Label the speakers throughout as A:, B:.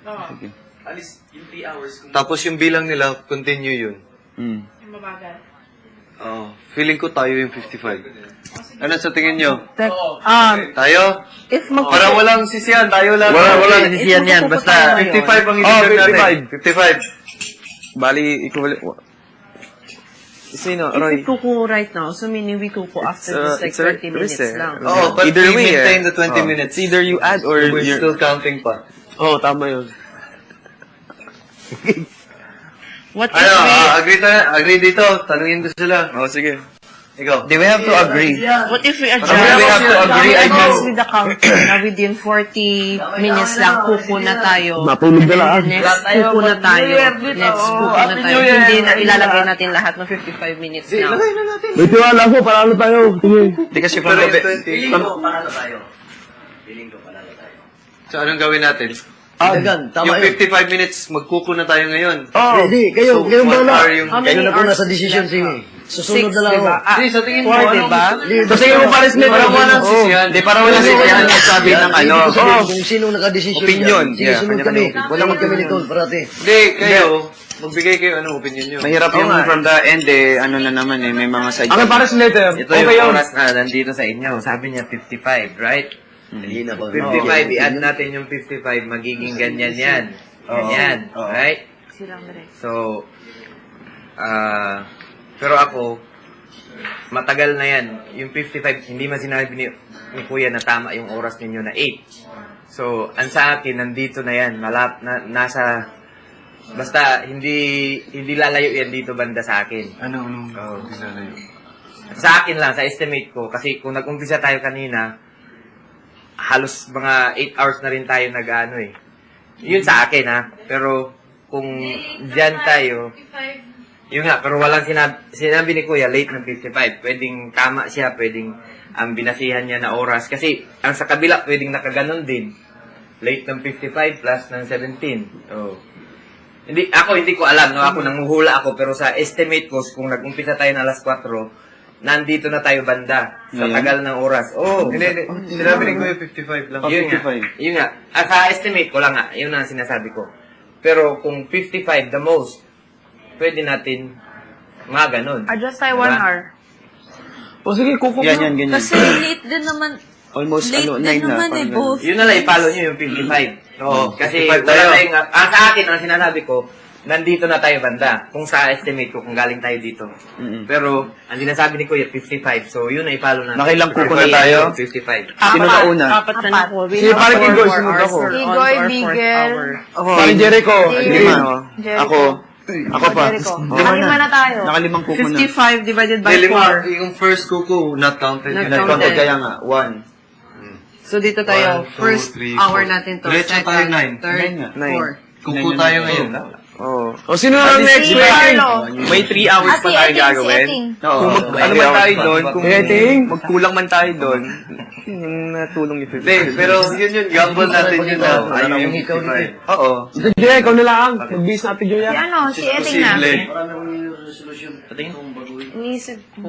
A: Sige.
B: Alis yung 3 hours.
C: Tapos yung bilang nila, continue yun.
A: Mm.
D: Yung mabagal.
C: Feeling ko tayo yung 55. Ano sa tingin nyo? Tayo?
D: If
C: Para walang sisiyan, tayo lang.
A: Wala nasisiyan yan. Basta,
C: 55 ang i-deserve natin. 55.
A: bali, equivalent. Sino? Roy?
D: If we kuku right now, so meaning we kuku after this like 30 minutes lang.
C: Oh, but
A: Either
C: we
A: way,
C: maintain the 20 minutes.
A: It's either you add or
C: We're
A: you're...
C: still counting pa.
A: Oh, tama yun.
D: What if
C: Ano,
D: we...
C: agree dito. Tanungin ko sila.
A: Oh, sige.
C: Ikaw.
A: Do we have to agree?
D: What if we adjust?
C: We have to agree, I guess.
D: With the counter na within 40 minutes lang, kuku na tayo.
A: Matulog na lang.
D: Next, kuku na tayo. Next, kuku na tayo. Hindi na ilalagay natin lahat ng 55 minutes now.
A: May tiwala ko, paralo tayo. Sige. Hindi kasi
C: Pero
A: pang
C: yung
A: gabi.
C: 20.
B: Piling ko, panalo tayo. Piling ko, panalo tayo.
C: So, anong gawin natin?
E: Dagan, tama
C: Yung
E: yun.
C: 55 minutes, magkuko na tayo ngayon.
A: Oh,
E: Hindi, kayo, kayo
C: what
E: bala.
C: are yung...
E: Kayo na po nasa decision sige. Susunod na lang ako.
C: Hindi, sa tingin mo,
D: 4, diba?
A: so sige mo pares nito.
C: Para walang sisiyan.
A: Hindi, para walang sisiyan. Sabi ng ano.
E: Hindi ko sabihin
A: Oh,
E: kung sino naka-decision
A: Opinion.
E: dyan. Sige,
A: Yeah,
E: sunod
A: kanya-kanya.
E: kami. Walang kami nito, parati.
C: Hindi, kayo. Magbigay kayo anong opinion nyo.
A: mahirap yung from the end eh. Ano na naman eh. May mga side.
F: Ako pares letter.
B: Ito yung oras na nandito sa inyo. Sabi niya 55, right?
E: Hindi na pa.
B: 55, i-add natin yung 55, magiging ganyan yan. Ganyan, right? So, pero ako, matagal na yan. Yung 55, hindi man sinabi ni Kuya na tama yung oras ninyo na 8. So, ang sa akin, nandito na yan. Nasa, basta, hindi lalayo yan dito banda sa akin.
C: Anong pinalayo?
B: Sa akin lang, sa estimate ko, kasi kung nag-umpisa tayo kanina, halos mga 8 hours na rin tayo nag-ano eh. Yun sa akin ha. Pero kung dyan tayo, yun nga, pero walang sinabi ni Kuya, late ng 55. Pwedeng tama siya, pwedeng ang binasihan niya na oras. Kasi ang sa kabila, pwedeng nakaganon din. Late ng 55 plus ng 17. Oh. Hindi ko alam, no? Ako nanguhula ako, pero sa estimate ko, kung nag-umpisa tayo na alas 4, nandito na tayo banda sa tagal ng oras. Oh,
C: Hindi. Sinabi ni Kuya 55 lang.
B: yun nga. Sa estimate ko lang nga, yun ang sinasabi ko. Pero kung 55 the most, pwede natin mga ganun.
D: Adjust tayo 1 hour.
F: O sige, kuko.
A: Yan, ganyan.
G: Kasi late din naman.
A: Almost
G: Late
A: ano, 9
G: din
A: na.
G: naman eh,
A: parang
G: both.
B: Yun na lang, i-follow nyo yung 55. Oo, kasi
C: 55
B: wala
C: tayo.
B: tayong, sa akin, ang sinasabi ko, nandito na tayo banda. Kung sa estimate ko, kung galing tayo dito. Pero, ang sinasabi ni Kuya, 55. So, yun na i-follow natin.
A: Nakilang kuko na
B: 55,
A: tayo?
B: 55.
A: Sino na una?
D: Apat na na po.
F: Sige, parang Igoy, sunod ako.
D: Igoy, Bigel.
A: Ako.
F: Parang Jericho.
A: Lima. Ako. Ako pa.
D: Jericho.
A: Oh.
D: Nakalima na tayo.
A: Nakalimang kuko na.
D: 55 divided by 4.
C: Yung first kuko, not counted.
D: Not
C: yun.
D: counted.
A: Kaya nga, 1.
D: So dito tayo,
C: 1, 2,
D: first
C: 3,
D: hour
C: 4.
D: natin to.
C: Diretso tayo, 9.
D: Third,
A: Nine.
D: 4.
C: Kuko tayo ngayon.
A: Oo.
F: O sino na next
D: Si
F: week?
D: Carlo.
A: May 3 hours pa tayo gagawin.
G: Oh,
A: Kung ano man tayo doon, kung
F: Dating.
A: magkulang man tayo doon, yung natulong ni
C: Hindi, pero yun, gamble natin yun na. Ayaw yung
E: ikaw
C: 55.
A: Oo.
F: Ito, Jay, ikaw na lang. Mag-bis natin, Joya.
D: Si ano, si Eting na.
C: Posible.
E: Marami akong resolution. Itong baguhin.
D: Iniisip ko,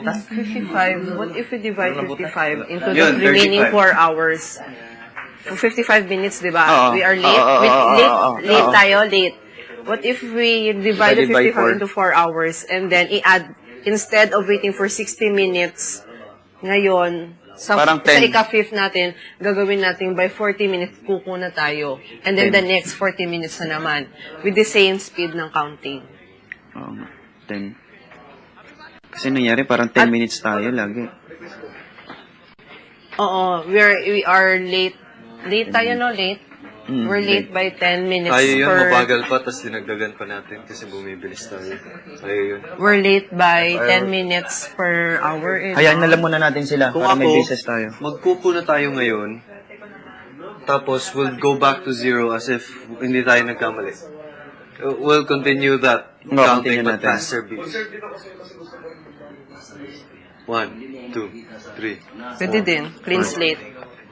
D: 55, what if we divide 55 into the
C: Yun,
D: remaining
C: 35.
D: 4 hours? For 55 minutes, di ba?
A: Oo.
D: We are late.
A: Oo,
D: Wait,
A: oo,
D: late,
A: oo,
D: late
A: oo.
D: tayo, late. What if we divide the
A: Divided by
D: 55
A: 4.
D: into 4 hours and then i-add, instead of waiting for 60 minutes, ngayon,
A: Parang
D: sa
A: 10.
D: ika-fifth natin, gagawin natin by 40 minutes, kuko na tayo. And then
A: 10.
D: the next 40 minutes na naman, with the same speed ng counting.
A: Oo nga. 10. Kasi nangyari parang 10 minutes tayo lagi.
D: Oo, we are late. Late tayo, no? Late? We're late by 10 minutes
C: Tayo yun,
D: per...
C: mabagal pa, tapos dinagdagan pa natin kasi bumibilis tayo. Tayo yun.
D: We're late by 10 minutes per hour.
A: Hayaan na lang muna natin sila
C: Kung
A: para may
C: ako,
A: basis tayo.
C: magkuko na tayo ngayon, tapos we'll go back to 0 as if hindi tayo nagkamali. We'll continue that
A: No,
C: counting
A: continue
C: but
A: natin.
C: faster beats. 1, 2, 3.
D: Pwede din. Clean slate.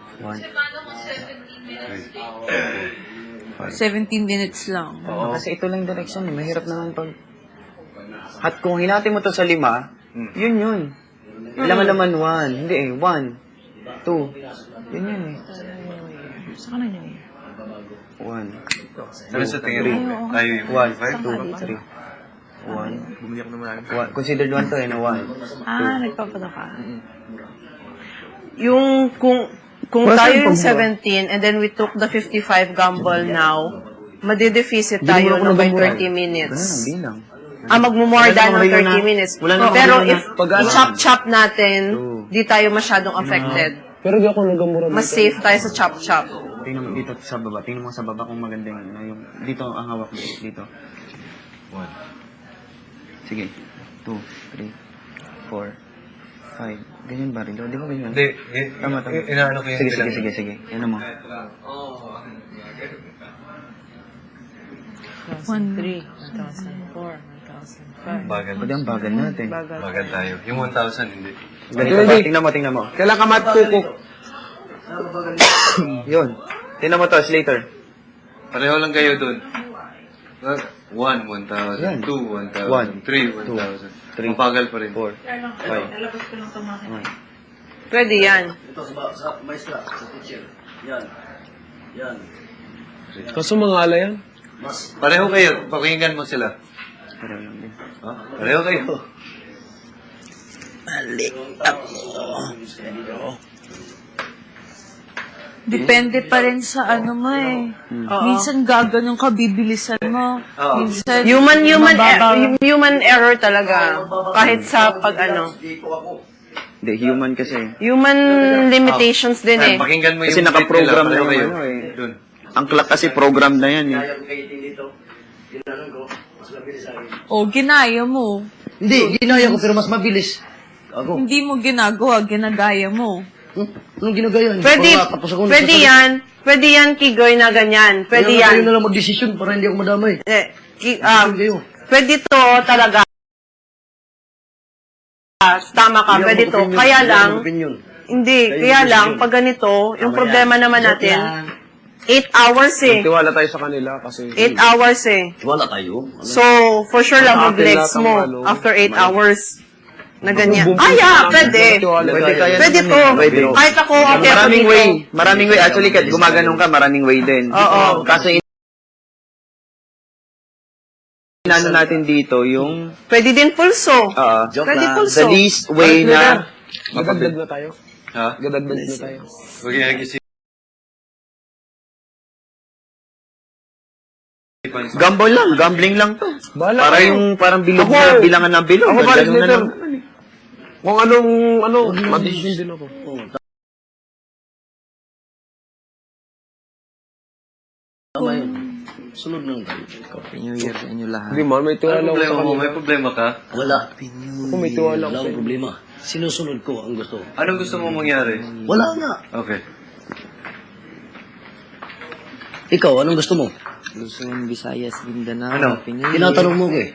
G: 17 minutes lang.
A: Oo. Kasi ito lang direction. Mahirap naman pag... At kung hinati mo to sa 5, yun. Laman-laman 1. Hindi eh. 1, 2. Yun eh.
D: Saan ka na yun?
A: 1,
C: Ano sa tingin mo? Tayo yung
A: 1, 2, 3. 1. Considered 1 to, eh, no? 1.
G: Nagpapadaka.
D: Yung, kung
F: Wala
D: tayo
F: tayong
D: yung
F: pagmura.
D: 17 and then we took the 55 gamble now, madideficit
F: Hindi mo
D: tayo
F: ako
D: no, by
F: nagmumura.
D: 30 minutes.
A: Ganun ang bilang.
D: Magmumore
A: Wala
D: than
A: namang
D: ng
A: rayon
D: 30
A: na-
D: minutes.
A: wala namang
D: Pero
A: rayon na
D: if
A: pag-ano.
D: i-chop-chop natin,
A: Oo.
D: di tayo masyadong affected.
F: Pero di ako nagamura dito.
D: Mas safe tayo sa chop-chop.
A: Tingnan mo dito sa baba. Tingnan mo sa baba kung maganda yung dito ang hawak mo. Dito. 1. Sige. 2, 3, 4, 5. Ganyan ba rin? Di ba ganyan?
C: Hindi,
A: Tama.
C: inaano ko yung
A: Sige,
C: bilang.
A: sige. Ano mo?
G: 1,300, 1,400, 1,500.
C: Bagal.
A: Pwede ang bagal natin.
C: Bagal tayo. Yung 1,000, hindi.
A: Ganito ba? Tingnan mo.
F: Kailan ka matukok?
A: Yun. Tingnan mo to, Slater.
C: Pareho lang kayo dun. 1, 1,000.
A: Yan.
C: 2, 1,000.
A: One,
C: 3, 1,000.
A: 3,
C: Mabagal pa rin.
A: 4, 5.
D: Pwede yan.
E: Ito sa maestra, sa teacher. Yan. Yan.
F: Kaso mga ala yan.
E: Mas
C: Pareho kayo. Pakinggan mo sila.
A: Pareho lang din.
C: Ha? Pareho kayo.
G: Depende pa rin sa ano mo eh. Minsan gaganong ka, bibilisan mo. Minsan, mababaw.
D: Human error talaga. Kahit sa pag ano.
A: Hindi, human kasi.
D: Human limitations din eh.
C: Pakinggan mo yung
A: Kasi nakaprogram
C: beat nila.
A: na
C: Pareho
A: yung
C: kayo.
A: ano eh.
C: Dun.
A: Ang clock kasi program na yan eh.
G: O, ginaya mo.
E: Hindi, ginaya ko pero mas mabilis. Ako.
G: Hindi mo ginagawa, ginagaya mo.
E: Anong ginagaya?
D: Pwede, pwede yan, Kigoy, na ganyan. Pwede
E: Kayo
D: yan.
E: na lang mag-desisyon para hindi ako madamay. Kayo.
D: Pwede to talaga. Tama ka, pwede to. Kaya lang,
E: Opinion.
D: hindi, kaya lang, pag ganito, yung problema naman natin, 8 hours eh.
F: Tiwala tayo sa kanila kasi
D: 8 hours eh.
E: Wala tayo.
D: So, for sure lang,
F: Ang akin
D: mag-legs
F: lahat ang
D: mo
F: ano,
D: after 8 hours. Na ganyan.
F: Bumbum-
D: Pwede.
A: Pwede kaya
D: Pwede
A: naman
D: to.
A: eh. Pwede.
D: Kahit ako, okay ako
A: Maraming
D: dito.
A: way. Maraming way. Actually, kahit gumaganong ka, maraming way din.
D: Oo.
A: Kaso inano natin dito yung
D: Pwede din pulso. Pwede
A: the
D: pulso.
A: least way na
F: gadagdag na tayo.
C: Ha?
F: Gadagdag na tayo.
C: Huwag yung nag-isip.
A: gamble lang, gambling lang to.
F: Bahala
A: Para
F: kayo.
A: yung parang bilog
F: Ako,
A: na bilangan ng bilog.
F: Ako pare,
A: Ganun na
F: Slater.
A: lang.
F: Kung anong, madesisyon din ako.
E: Tama yun. Sunod lang tayo.
A: New Year sa inyo lahat.
F: Hindi man, may tiwala
C: Ano
F: ako sa
C: problema mo?
F: kanila.
C: May problema ka?
E: Wala.
F: Ako may tiwala ako
E: Wala
F: sa
E: akong problema. Sinusunod ko ang gusto.
C: Anong gusto mo mangyari?
E: Wala nga.
C: Okay.
E: Ikaw, anong gusto mo?
A: Luzon, Visayas, Mindanao.
C: Ano?
E: Tinatanong mo ko eh.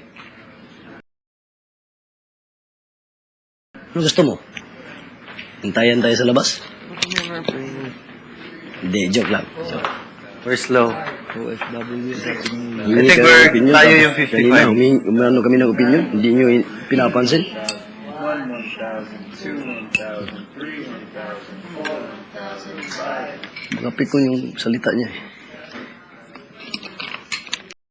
E: Anong gusto mo? Hintayan tayo sa labas? Hindi, joke lang. Joke.
C: We're slow.
A: OFW sa inyo.
C: I think tayo yung 55.
E: Kanina, umano kami ng opinion. Hindi nyo pinapansin. Magapit ko yung salita niya eh.